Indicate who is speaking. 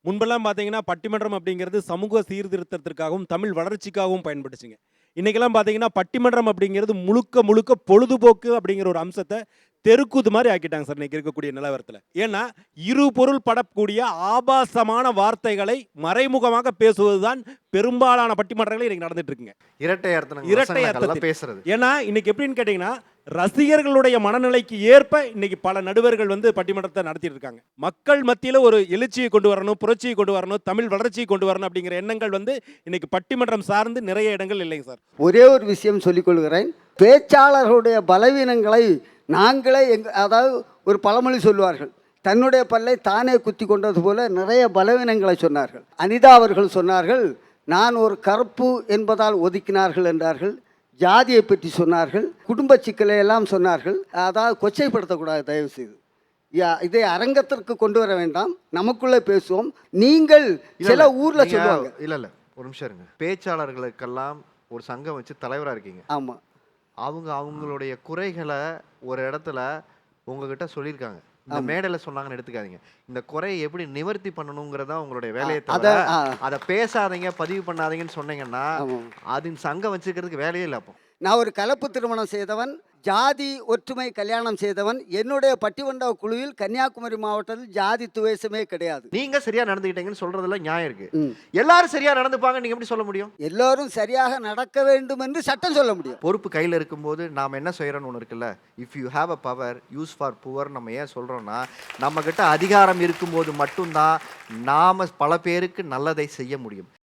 Speaker 1: முன்பெல்லாம் பார்த்தீங்கன்னா, பட்டிமன்றம் அப்படிங்கிறது சமூக சீர்திருத்தத்திற்காகவும், தமிழ் வளர்ச்சிக்காகவும் பயன்பட்டுச்சுங்க. இன்னைக்கெல்லாம் பார்த்தீங்கன்னா, பட்டிமன்றம் அப்படிங்கிறது முழுக்க முழுக்க பொழுதுபோக்கு அப்படிங்கிற ஒரு அம்சத்த தெருக்கூத்து மாரி ஆக்கிட்டாங்க சார், இன்னைக்கு இருக்கக்கூடிய நிலவரத்துல. ஏன்னா, இரு பொருள் படக்கூடிய ஆபாசமான வார்த்தைகளை மறைமுகமாக பேசுவதுதான் பெரும்பாலான பட்டிமன்றங்கள் இன்னைக்கு நடந்துட்டு இருக்குங்க.
Speaker 2: இரட்டை அர்த்தங்கள்
Speaker 1: இரட்டை
Speaker 2: வசனங்கள்லாம்
Speaker 1: அர்த்தத்தில்.
Speaker 2: பேசுறது.
Speaker 1: ஏன்னா, இன்னைக்கு எப்படின்னு கேட்டீங்கன்னா, ரசிகர்களுடைய மனநிலைக்கு ஏற்ப இன்னைக்கு பல நடுவர்கள் வந்து பட்டிமன்றத்தை நடத்திட்டு இருக்காங்க. மக்கள் மத்தியில ஒரு எழுச்சியை கொண்டு வரணும், புரட்சியை கொண்டு வரணும், தமிழ் வளர்ச்சியை கொண்டு வரணும் அப்படிங்கிற எண்ணங்கள் வந்து இன்னைக்கு பட்டிமன்றம் சார்ந்து நிறைய இடங்கள் இல்லைங்க சார்.
Speaker 3: ஒரே ஒரு விஷயம் சொல்லிக்கொள்கிறேன். பேச்சாளர்களுடைய பலவீனங்களை நாங்களே அதாவது ஒரு பழமொழி சொல்லுவார்கள், தன்னுடைய பல்லை தானே குத்தி கொண்டது போல நிறைய பலவீனங்களை சொன்னார்கள். அனிதா அவர்கள் சொன்னார்கள், நான் ஒரு கருப்பு என்பதால் ஒதுக்கினார்கள் என்றார்கள். ஜாதியை பற்றி சொன்னார்கள், குடும்ப சிக்கலை எல்லாம் சொன்னார்கள். அதாவது கொச்சைப்படுத்தக்கூடாது தயவு செய்து. இதை அரங்கத்திற்கு கொண்டு வர வேண்டாம், நமக்குள்ளே பேசுவோம். நீங்கள் சில ஊர்ல சொல்லுவாங்க.
Speaker 2: இல்ல ஒரு நிமிஷம் இருங்க. பேச்சாளர்களுக்கெல்லாம் ஒரு சங்கம் வச்சு தலைவரா இருக்கீங்க.
Speaker 3: ஆமா,
Speaker 2: அவங்களுடைய குறைகளை ஒரு இடத்துல உங்ககிட்ட சொல்லியிருக்காங்க. இந்த மேடையில சொன்னாங்கன்னு எடுத்துக்காதீங்க. இந்த குறையை எப்படி நிவர்த்தி பண்ணணுங்கிறதா உங்களுடைய வேலையை தவிர அதை பேசாதீங்க, பதிவு பண்ணாதீங்கன்னு சொன்னீங்கன்னா அது சங்கம் வச்சுக்கிறதுக்கு வேலையே இல்லை. அப்போ
Speaker 3: நான் ஒரு கலப்பு திருமணம் செய்தவன், ஜாதி ஒற்றுமை கல்யாணம் செய்தவன். என்னுடைய பட்டிமன்ற குழுவில் கன்னியாகுமரி மாவட்டத்தில் ஜாதி துவேஷமே கிடையாது.
Speaker 2: நீங்க சரியா நடந்துக்கிட்டீங்கன்னு சொல்றதுல நியாயம் இருக்கு. எல்லாரும் சரியா நடந்துப்பாங்க நீங்க எப்படி சொல்ல முடியும்?
Speaker 3: எல்லாரும் சரியாக நடக்க வேண்டும் என்று சட்டம் சொல்ல முடியும்.
Speaker 2: பொறுப்பு கையில் இருக்கும்போது நாம என்ன செய்யறோம்னு ஒன்று இருக்குல்ல, if you have a power use for poor. நம்ம ஏன் சொல்றோம்னா, நம்ம கிட்ட அதிகாரம் இருக்கும்போது மட்டும்தான் நாம பல பேருக்கு நல்லதை செய்ய முடியும்.